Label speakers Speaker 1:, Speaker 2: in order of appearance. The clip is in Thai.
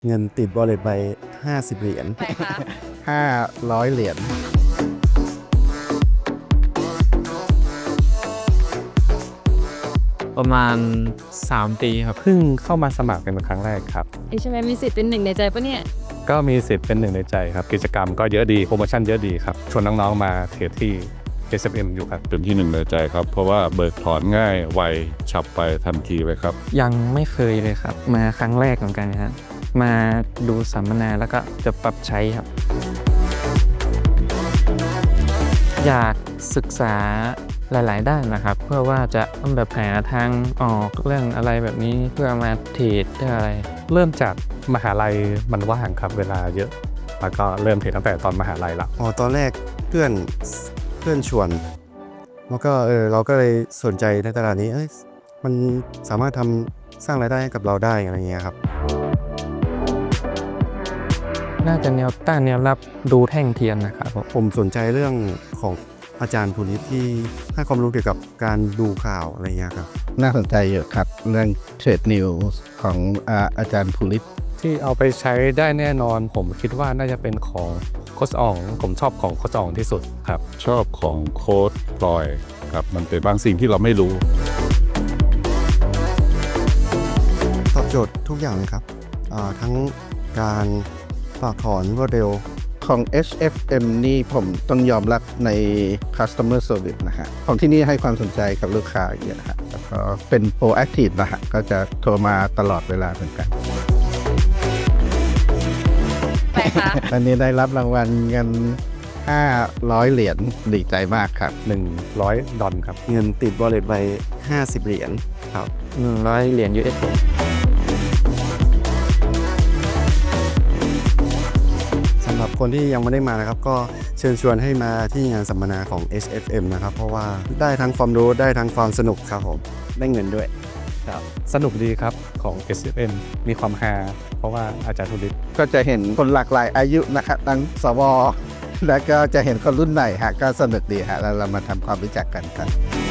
Speaker 1: เงินติดวอลเล็ตไป50 เหรียญ
Speaker 2: ไหนคะ
Speaker 3: 500 เหรียญ
Speaker 4: ประมาณ3 ปีครับเพิ่งเข้ามาสมัครเป็นครั้งแรกครับ
Speaker 2: ใช่ไหมมีสิทธิ์เป็นหนึ่งในใจปะเนี่ย
Speaker 4: ก็มีสิทธิ์เป็นหนึ่งในใจครับกิจกรรมก็เยอะดีโปรโมชั่นเยอะดีครับชวนน้องๆมาเทรดที่ SFM อยู่ครับ
Speaker 5: เป็นที่หนึ่งในใจครับ เพราะว่าเบิกถอนง่ายไวฉับไปทันทีเลยครับ
Speaker 6: ยังไม่เคยเลยครับมาครั้งแรกเหมือนกันครับมาดูสัมมนาแล้วก็จะปรับใช้ครับ อยากศึกษาหลายๆด้านนะครับ เพื่อว่าจะแบบหาทางออกเรื่องอะไรแบบนี้เพื่อมาเทรดเพื่ออะไร
Speaker 4: เริ่มจากมหาลัยมันว่างครับเวลาเยอะแล้วก็เริ่มเทรดตั้งแต่ตอนมหาลัยละ
Speaker 1: ตอนแรกเพื่อนชวนแล้วก็เราก็เลยสนใจในตลาดนี้มันสามารถสร้างรายได้ให้กับเราได้อะไรเงี้ยครับ
Speaker 6: น่าจะแนวต้านแนวรับดูแท่งเทียนนะครับผม
Speaker 1: ผมสนใจเรื่องของอาจารย์ภูริศที่ให้ความรู้เกี่ยวกับการดูข่าวอะไรเงี้ยครับ
Speaker 3: น่าสนใจเยอะครับเรื่องเทรดนิวส์ของอาจารย์ภูริศ
Speaker 4: ที่เอาไปใช้ได้แน่นอนผมคิดว่าน่าจะเป็นของโค้ชอ่องผมชอบของโค้ชอ่องที่สุดครับ
Speaker 5: ชอบของโค้ดพลอยครับมันเป็นบางสิ่งที่เราไม่รู้
Speaker 1: ตอบโจทย์ทุกอย่างเลยครับทั้งการฝากถอนรวดเร็ว
Speaker 3: ของ HFM นี่ผมต้องยอมรับใน customer service นะฮะของที่นี่ให้ความสนใจกับลูกค้าเยอะนะฮะแล้วก็เป็น proactive นะฮะก็จะโทรมาตลอดเวลาเหมือนกัน
Speaker 2: ไหนคะ
Speaker 3: อันนี้ได้รับรางวัลเงิน500 เหรียญดีใจมากครับ
Speaker 4: $100ครับ
Speaker 1: เงินติดวอลเล็ตไป50 เหรียญครับ
Speaker 6: 100 เหรียญ US
Speaker 1: สำหรับคนที่ยังไม่ได้มานะครับก็เชิญชวนให้มาที่งานสัมมนาของ SFM นะครับเพราะว่าได้ทั้งความรู้ได้ทั้งความสนุกครับผมได้เงินด้วย
Speaker 4: สนุกดีครับของ SFM มีความฮาเพราะว่าอาจารย์ธุริศ
Speaker 3: ก็จะเห็นคนหลากหลายอายุนะครับทั้งสวแล้วก็จะเห็นคนรุ่นใหม่ฮะก็สนุกดีฮะแล้วเรามาทำความรู้จักกันครับ